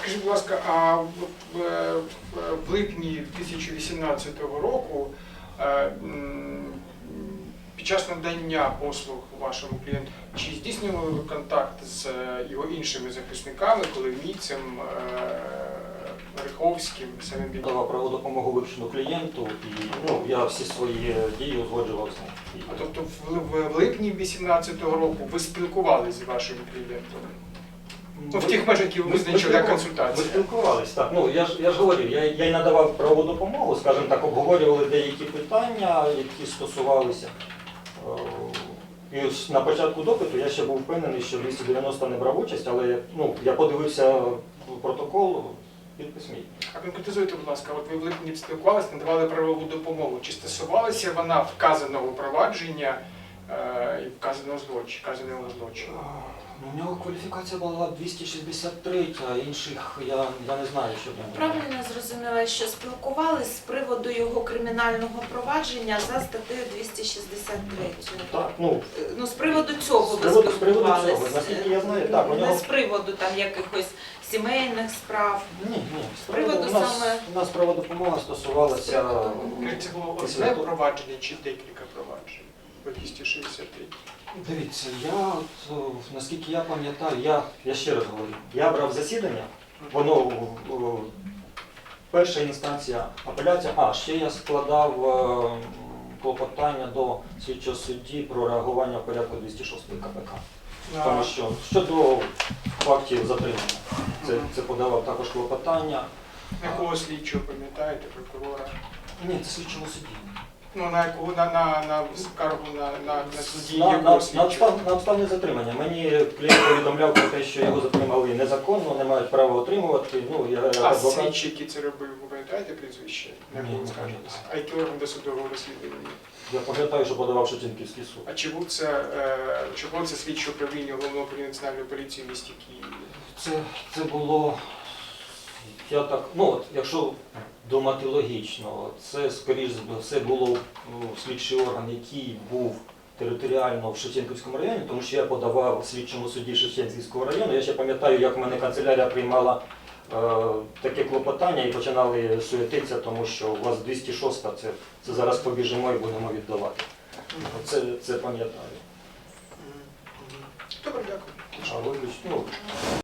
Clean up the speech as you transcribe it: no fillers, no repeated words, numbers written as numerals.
Скажіть, будь ласка, а в липні 2018 року під час надання послуг вашому клієнту, чи здійснювали ви контакт з його іншими захисниками, Коломійцем, Риховським, самим Бігом? Давав правову допомогу вивчену клієнту і я всі свої дії узгоджував з ним. А тобто в липні 2018 року ви спілкувалися з вашим клієнтом? Ну, в тих межах, які ви визначили як консультація. Ми спілкувалися, так. Я ж говорив, я й надавав правову допомогу, скажімо так, обговорювали деякі питання, які стосувалися. І на початку допиту я ще був впевнений, що 290 не брав участь, але я подивився протокол, підпис мій. А конкретизуйте, будь ласка, от ви в липні спілкувалися, надавали правову допомогу. Чи стосувалася вона вказаного провадження і вказаного злочину? У нього кваліфікація була 263, а інших я не знаю, що в ньому. Правильно зрозуміла, що спілкувались з приводу його кримінального провадження за статтею 263. Так, з приводу цього ви з приводу спілкувались? цього, наскільки я знаю, так. У нього... Не з приводу там якихось сімейних справ? Ні. З приводу саме... У нас правова допомога стосувалася... Це було одне провадження чи декілька проваджень по 263? Дивіться, наскільки я пам'ятаю, я ще раз говорю, я брав засідання, воно перша інстанція апеляція, ще я складав клопотання до слідчого судді про реагування в порядку 206 КПК. Тому що щодо фактів затримання, це подавав також клопотання. Якого слідчого, пам'ятаєте, прокурора? Ні, це слідчого судді. На скаргу на судді якого слідчого? На обставини затримання. Мені клієнт повідомляв про те, що його затримали незаконно, не мають права отримувати. А слідчий, який це робив, ви пам'ятаєте прізвище? Ні, не пам'ятаю. А який орган досудового розслідування? Я пам'ятаю, що подавав Шевченківський суд. А чи був це слідче управління Головного управління Національної поліції в місті Києві? Це було, якщо думати логічно, це, скоріш за все, було слідчий орган, який був територіально в Шевченківському районі, тому що я подавав слідчому судді Шевченківського району. Я ще пам'ятаю, як в мене канцелярія приймала таке клопотання і починали суетитися, тому що у вас 206-та, це зараз побіжимо і будемо віддавати. Це пам'ятаю. Добре, дякую. А виключно,